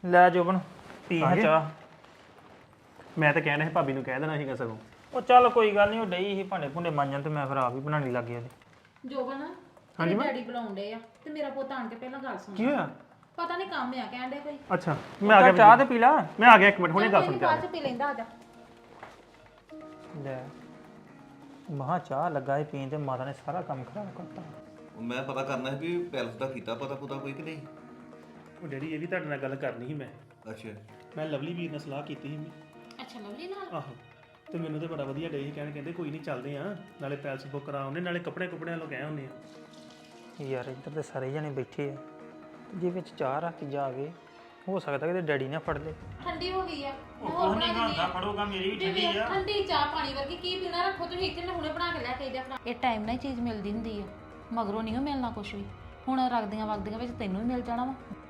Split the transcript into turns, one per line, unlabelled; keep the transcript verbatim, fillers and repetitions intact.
ਲੈ ਜੋਬਨ ਪੀ ਹਾਂ ਚਾਹ।
ਮੈਂ ਤਾਂ ਕਹਿਣਾ ਸੀ ਭਾਬੀ ਨੂੰ ਕਹਿ ਦੇਣਾ ਸੀਗਾ ਸਗੋਂ।
ਉਹ ਚੱਲ ਕੋਈ ਗੱਲ ਨਹੀਂ, ਉਹ ਡਈ ਸੀ ਭਾਂਡੇ ਭੁੰਡੇ ਮਾਂਜਣ ਤੇ ਮੈਂ ਫਿਰ ਆਪ ਹੀ ਬਣਾਉਣੀ ਲੱਗ ਗਿਆ ਉਹਦੇ।
ਜੋਬਨ ਹਾਂਜੀ ਡੈਡੀ ਬੁਲਾਉਂਦੇ ਆ ਤੇ ਮੇਰਾ ਪੁੱਤ ਆਣ ਕੇ ਪਹਿਲਾਂ ਗੱਲ ਸੁਣ।
ਕੀ ਹੋਇਆ?
ਪਤਾ ਨਹੀਂ ਕੰਮ ਆ ਕਹਿੰਦੇ ਕੋਈ।
ਅੱਛਾ ਮੈਂ ਆ ਗਿਆ।
ਚਾਹ ਤੇ ਪੀ ਲਾ।
ਮੈਂ ਆ ਗਿਆ ਇੱਕ ਮਿੰਟ ਹੁਣੇ ਗੱਲ ਸੁਣ ਕੇ ਆ
ਬਾਅਦ ਚ ਪੀ ਲੈਂਦਾ ਆ ਜਾ।
ਲੈ ਮਹਾ ਚਾਹ ਲੱਗਾ ਸੀ ਪੀਣ ਤੇ ਮਾਤਾ ਨੇ ਸਾਰਾ ਕੰਮ ਖਰਾਬ ਕਰਤਾ।
ਉਹ ਮੈਂ ਪਤਾ ਕਰਨਾ ਸੀ ਵੀ ਪੈਲਸ ਦਾ ਕੀਤਾ ਪਤਾ ਪੁਤਾ ਕੋਈ ਕਿ ਨਹੀਂ।
ਉਹ ਡੈਡੀ ਇਹ ਵੀ ਤੁਹਾਡੇ ਨਾਲ ਗੱਲ ਕਰਨੀ ਸੀ ਮੈਂ।
ਅੱਛਾ
ਮੈਂ ਲਵਲੀ ਵੀਰ ਨਾਲ ਸਲਾਹ ਕੀਤੀ ਸੀ ਮੈਂ।
ਅੱਛਾ ਲਵਲੀ ਨਾਲ।
ਆਹੋ ਤੇ ਮੈਨੂੰ ਤੇ ਬੜਾ ਵਧੀਆ ਡੇ ਸੀ ਕਹਿਣ, ਕਹਿੰਦੇ ਕੋਈ ਨਹੀਂ ਚੱਲਦੇ ਆ ਨਾਲੇ ਪੈਲਸ ਬੁੱਕ ਕਰਾ ਆਉਂਦੇ ਨਾਲੇ ਕੱਪੜੇ ਕੁਪੜਿਆਂ ਲੋ ਗਏ ਹੁੰਦੇ ਆ।
ਯਾਰ ਇੱਧਰ ਤੇ ਸਾਰੇ ਜਣੇ ਬੈਠੇ ਆ ਤੇ ਜੇ ਵਿੱਚ ਚਾਹ ਰੱਖ ਕੇ ਜਾਵੇ ਹੋ ਸਕਦਾ ਕਿ ਡੈਡੀ ਨਾ ਫੜ ਲੇ।
ਠੰਡੀ ਹੋ ਗਈ ਆ।
ਉਹ ਨਹੀਂ ਖਾਂਦਾ ਫੜੋਗਾ ਮੇਰੀ ਵੀ ਠੰਡੀ ਆ।
ਠੰਡੀ ਚਾਹ ਪਾਣੀ ਵਰਗੀ ਕੀ ਪੀਣਾ ਰੱਖੋ ਤੁਸੀਂ ਇੱਥੇ, ਮੈਂ ਹੁਣੇ ਬਣਾ ਕੇ ਲੈ ਕੇ ਜਾ। ਇਹ ਟਾਈਮ ਨਾਲ ਹੀ ਚੀਜ਼ ਮਿਲਦੀ ਹੁੰਦੀ ਆ, ਮਗਰੋਂ ਨਹੀਂ ਮਿਲਣਾ ਕੁਝ ਵੀ। ਹੁਣ ਰੱਖਦੀਆਂ ਵਗਦੀਆਂ ਵਿੱਚ ਤੈਨੂੰ ਵੀ ਮਿਲ ਜਾਣਾ ਵਾ।